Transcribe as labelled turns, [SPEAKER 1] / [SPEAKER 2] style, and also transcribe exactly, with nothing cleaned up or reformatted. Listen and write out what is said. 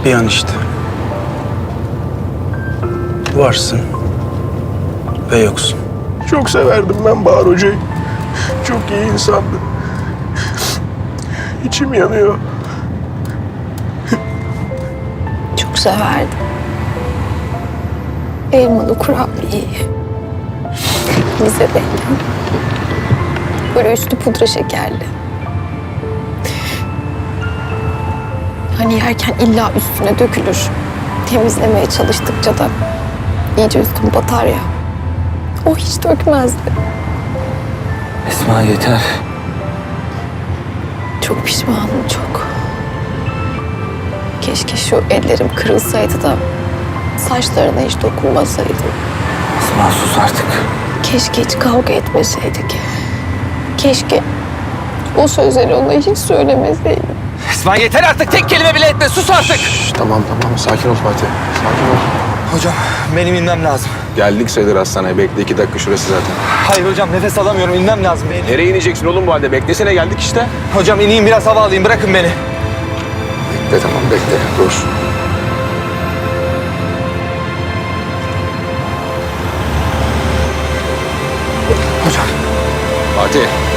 [SPEAKER 1] Bir an işte. Varsın ve yoksun.
[SPEAKER 2] Çok severdim ben Bahar Hoca'yı. Çok iyi insandı. İçim yanıyor.
[SPEAKER 3] Çok severdim. Elmalı kurabiyeyi. Bize beklen. Böyle üstü pudra şekerli. Hani yerken illa üstüne dökülür. Temizlemeye çalıştıkça da iyice üstüm batar ya. O hiç dökmezdi.
[SPEAKER 4] Esma yeter.
[SPEAKER 3] Çok pişmanım, çok. Keşke şu ellerim kırılsaydı da saçlarına hiç dokunmasaydım.
[SPEAKER 4] Esma sus artık.
[SPEAKER 3] Keşke hiç kavga etmeseydik. Keşke o sözleri ona hiç söylemeseydim.
[SPEAKER 4] Esma yeter artık, tek kelime bile etme, sus artık.
[SPEAKER 2] Şş, tamam tamam sakin ol Fatih. Sakin ol.
[SPEAKER 4] Hocam benim inmem lazım.
[SPEAKER 2] Geldik sayılır hastaneye. Bekle iki dakika şurası zaten.
[SPEAKER 4] Hayır hocam, nefes alamıyorum, inmem lazım. Beni.
[SPEAKER 2] Nereye ineceksin oğlum bu halde? Beklesene geldik işte.
[SPEAKER 4] Hocam ineyim, biraz hava alayım, bırakın beni.
[SPEAKER 2] Bekle tamam bekle. Dur.
[SPEAKER 4] Hocam.
[SPEAKER 2] Fatih.